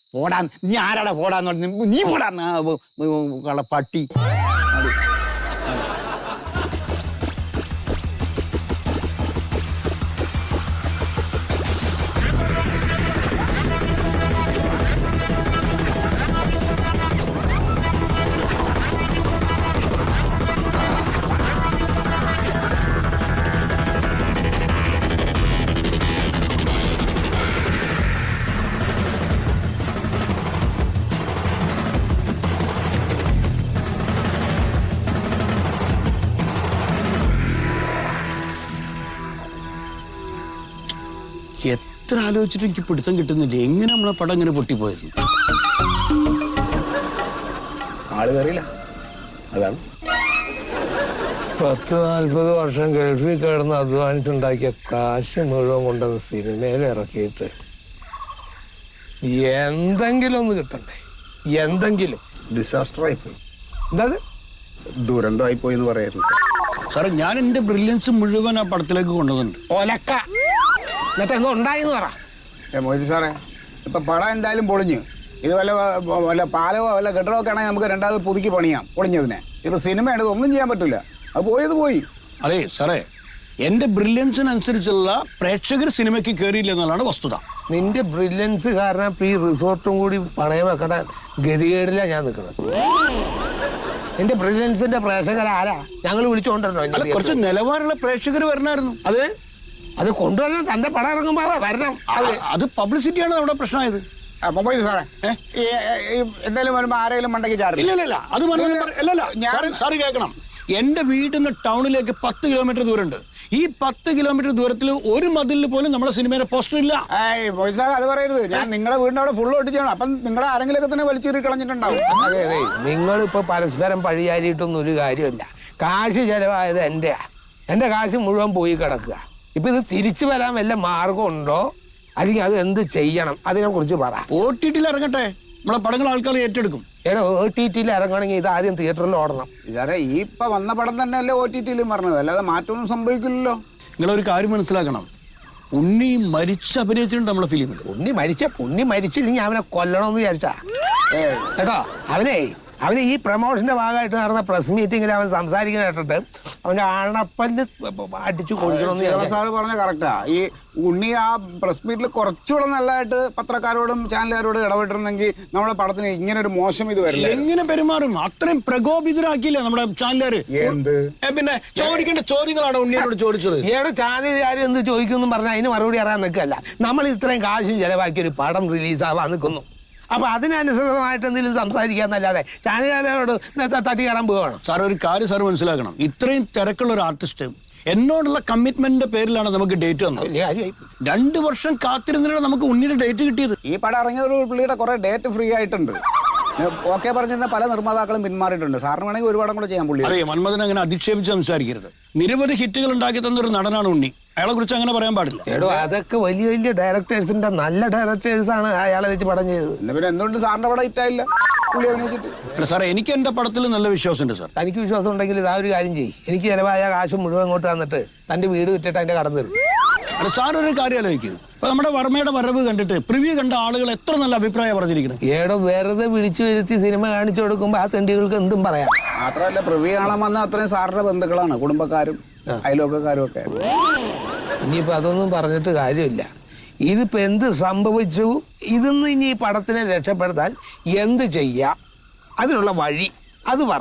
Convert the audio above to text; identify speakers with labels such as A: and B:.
A: പോടാ, നീ ആരാടാ പോടാന്ന് പറഞ്ഞു? നീ പോടാ പട്ടി.
B: എത്ര ആലോചിച്ചിട്ട് എനിക്ക് പിടുത്തം കിട്ടുന്നില്ല. എങ്ങനെ നമ്മളെ പടം ഇങ്ങനെ പൊട്ടിപ്പോയത്?
A: ആള് കയറിയില്ല, അതാണ്.
C: 40-40 വർഷം ഗൾഫിൽ കിടന്ന് അധ്വാനിച്ചുണ്ടാക്കിയ കാശ് മുഴുവൻ കൊണ്ടുവന്ന് സിനിമയിൽ ഇറക്കിയിട്ട് എന്തെങ്കിലും ഒന്ന് കിട്ടണ്ടേ? എന്തെങ്കിലും
A: ഡിസാസ്റ്ററായി പോയി.
C: എന്താ
A: ദുരന്തമായി പോയി എന്ന് പറയായിരുന്നു
B: സാറേ. ഞാൻ എന്റെ ബ്രില്യൻസ് മുഴുവൻ ആ പടത്തിലേക്ക് കൊണ്ടുവന്നിട്ടുണ്ട്.
C: ഒലക്ക എന്നിട്ട് എന്തോ ഉണ്ടായിന്ന് പറ.
A: മോദി സാറേ, ഇപ്പൊ പടം എന്തായാലും പൊളിഞ്ഞു. ഇത് വല്ല പാലവോ വല്ല കെട്ടിടമൊക്കെ ആണെങ്കിൽ നമുക്ക് രണ്ടാമത് പുതുക്കി പണിയാം പൊളിഞ്ഞതിനെ. ഇപ്പൊ സിനിമയാണ്, ഇതൊന്നും ചെയ്യാൻ പറ്റില്ല. അത് പോയത് പോയി.
B: അതെ സാറേ, എന്റെ ബ്രില്യൻസിനനുസരിച്ചുള്ള പ്രേക്ഷകർ സിനിമയ്ക്ക് കയറിയില്ല എന്നുള്ളതാണ് വസ്തുത.
C: നിന്റെ ബ്രില്യൻസ് കാരണം ഈ റിസോർട്ടും കൂടി പണയം വെക്കണ ഗതികേടില്ല ഞാൻ നിൽക്കുന്നത്. നിന്റെ ബ്രില്യൻസിന്റെ പ്രേക്ഷകരാരാ? ഞങ്ങൾ വിളിച്ചുകൊണ്ടിരുന്നോ?
B: കുറച്ച് നിലവാരമുള്ള പ്രേക്ഷകർ വരണമായിരുന്നു.
C: അത് കൊണ്ടുവരണം. തന്റെ പടം ഇറങ്ങുമ്പോ വരണം.
B: അത് പബ്ലിസിറ്റിയാണ് നമ്മുടെ പ്രശ്നമായത്.
A: സാറേ, എന്തായാലും വരുമ്പോ ആരെങ്കിലും മണ്ടയ്ക്ക് ചാടില്ല.
B: ഇല്ല, അത് സാറ് കേൾക്കണം. എന്റെ വീട്ടിൽ നിന്ന് ടൗണിലേക്ക് 10 കിലോമീറ്റർ ദൂരമുണ്ട്. ഈ 10 കിലോമീറ്റർ ദൂരത്തിൽ ഒരു മതിലിൽ പോലും നമ്മുടെ സിനിമയുടെ പോസ്റ്റർ ഇല്ല.
A: മോദി സാർ, അത് പറയരുത്. ഞാൻ നിങ്ങളുടെ വീടിന്റെ അവിടെ ഫുള്ള് ഒട്ടിച്ചാണ്. അപ്പം നിങ്ങളെ ആരെങ്കിലും ഒക്കെ തന്നെ വലിച്ചേറി കളഞ്ഞിട്ടുണ്ടാവും.
C: അതെ, നിങ്ങളിപ്പോ പരസ്പരം പഴിയാരിയിട്ടൊന്നും ഒരു കാര്യമില്ല. കാശ് ചെലവായത് എന്റെ കാശ് മുഴുവൻ പോയി കിടക്കുക. ഇപ്പൊ ഇത് തിരിച്ചു വരാൻ വല്ല മാർഗം ഉണ്ടോ? അല്ലെങ്കിൽ അത് എന്ത് ചെയ്യണം? അതിനെ കുറിച്ച് പറ.
B: OTT-ൽ ഇറങ്ങട്ടെ, നമ്മളെ പടങ്ങൾ ആൾക്കാർ ഏറ്റെടുക്കും.
C: OTT-ൽ ഇറങ്ങണമെങ്കിൽ ഇത് ആദ്യം തിയേറ്ററിൽ ഓടണം.
A: സാറേ, ഈ ഇപ്പൊ വന്ന പടം തന്നെ അല്ലേ OTT-ലും പറഞ്ഞത്, അല്ലാതെ മാറ്റമൊന്നും സംഭവിക്കില്ലല്ലോ.
B: നിങ്ങളൊരു കാര്യം മനസ്സിലാക്കണം. ഉണ്ണി മരിച്ച് അഭിനയിച്ചിട്ടുണ്ട് നമ്മളെ ഫിലിമിൽ.
C: ഉണ്ണി മരിച്ചില്ലെങ്കിൽ അവനെ കൊല്ലണമെന്ന് വിചാരിച്ചാ കേട്ടോ. അവന് ഈ പ്രമോഷന്റെ ഭാഗമായിട്ട് നടന്ന പ്രസ് മീറ്റിംഗിൽ അവൻ സംസാരിക്കുന്ന കേട്ടിട്ട് അവന്റെ ആണപ്പല്ല് അടിച്ചു കൊടുക്കണമെന്ന്.
A: സാറ് പറഞ്ഞ കറക്റ്റാ. ഈ ഉണ്ണി ആ പ്രസ് മീറ്റിൽ കുറച്ചുകൂടെ നല്ലതായിട്ട് പത്രക്കാരോടും ചാനലുകാരോടും ഇടപെട്ടിരുന്നെങ്കിൽ നമ്മുടെ പടത്തിന് ഇങ്ങനെ ഒരു മോശം ഇത് വരില്ല.
B: എങ്ങനെ പെരുമാറും? അത്രയും പ്രകോപിതരാക്കിയില്ല നമ്മുടെ ചാനലുകാര്.
A: എന്ത്
B: പിന്നെ ചോദിക്കേണ്ട ചോദ്യങ്ങളാണ് ഉണ്ണിയോട് ചോദിച്ചത്.
C: ചാനലുകാർ എന്ത് ചോദിക്കുമെന്ന് പറഞ്ഞാൽ അതിന് മറുപടി അറിയാൻ നിൽക്കല്ല. നമ്മൾ ഇത്രയും കാശും ചെലവാക്കി ഒരു പടം റിലീസാവാൻ നിൽക്കുന്നു. അപ്പൊ അതിനനുസൃതമായിട്ട് എന്തെങ്കിലും സംസാരിക്കാന്നല്ലാതെ ചാനലുകാരോട് തട്ടി കയറാൻ പോവുകയാണ്.
B: സാർ, ഒരു കാര്യം സാർ മനസ്സിലാക്കണം. ഇത്രയും തിരക്കുള്ള ഒരു ആർട്ടിസ്റ്റ് എന്നോടുള്ള കമ്മിറ്റ്മെന്റിന്റെ പേരിലാണ് നമുക്ക് ഡേറ്റ് വന്നത്. 2 വർഷം കാത്തിരുന്നിട്ടാണ് നമുക്ക് ഉണ്ണിയുടെ ഡേറ്റ് കിട്ടിയത്.
A: ഈ പടം ഇറങ്ങിയ ഒരു പുള്ളിയുടെ കുറെ ഡേറ്റ് ഫ്രീ ആയിട്ടുണ്ട്. ഓക്കെ പറഞ്ഞിരുന്ന പല നിർമ്മാതാക്കളും പിന്മാറിയിട്ടുണ്ട്. സാറിന് വേണമെങ്കിൽ ഒരു പടം കൂടെ ചെയ്യാൻ പുള്ളി.
B: അറിയാം, മന്മഥൻ അങ്ങനെ അധിക്ഷേപിച്ച് സംസാരിക്കരുത്. നിരവധി ഹിറ്റുകൾ ഉണ്ടാക്കി തന്നൊരു നടനാണ് ഉണ്ണി. അയാളെ കുറിച്ച് അങ്ങനെ പറയാൻ പാടില്ല.
C: അതൊക്കെ വലിയ വലിയ ഡയറക്ടേഴ്സിന്റെ നല്ല ഡയറക്ടേഴ്സാണ് അയാളെ വെച്ച് പടം ചെയ്തത്.
A: പിന്നെ എന്തുകൊണ്ട് സാറിന്റെ പടം ഹിറ്റായില്ല പുള്ളി അഭിനയിച്ചിട്ട്?
B: സാറേ, എനിക്ക് എന്റെ പടത്തിൽ നല്ല വിശ്വാസമുണ്ട് സാർ.
C: തനിക്ക് വിശ്വാസം ഉണ്ടെങ്കിൽ ഇതാ ഒരു കാര്യം ചെയ്യും. എനിക്ക് ചിലവായ കാശ് മുഴുവൻ ഇങ്ങോട്ട് തന്നിട്ട് തന്റെ വീട് വിറ്റിട്ട് അതിന്റെ കടന്നു തരും.
B: സാർ, ഒരു കാര്യം ആലോചിക്കും. ഇപ്പൊ നമ്മുടെ വർമ്മയുടെ വരവ് കണ്ടിട്ട് പ്രിവ്യൂ കണ്ട ആളുകൾ എത്ര നല്ല അഭിപ്രായം പറഞ്ഞിരിക്കുന്നത്.
C: വെറുതെ വിളിച്ചു വരുത്തി സിനിമ കാണിച്ചു കൊടുക്കുമ്പോ ആ തെണ്ടികൾക്ക് എന്തും പറയാം.
A: മാത്രമല്ല, പ്രിവ്യൂ കാണാൻ വന്ന അത്രയും സാറിന്റെ ബന്ധുക്കളാണ്, കുടുംബക്കാരും അയൽവക്കക്കാരും ഒക്കെ.
C: ഇനിയിപ്പോ അതൊന്നും പറഞ്ഞിട്ട് കാര്യമില്ല. ഇതിപ്പോ എന്ത് സംഭവിച്ചു, ഇതൊന്നും ഇനി ഈ പടത്തിനെ രക്ഷപ്പെടുത്താൻ എന്ത് ചെയ്യാം, അതിനുള്ള വഴി അത് പറ.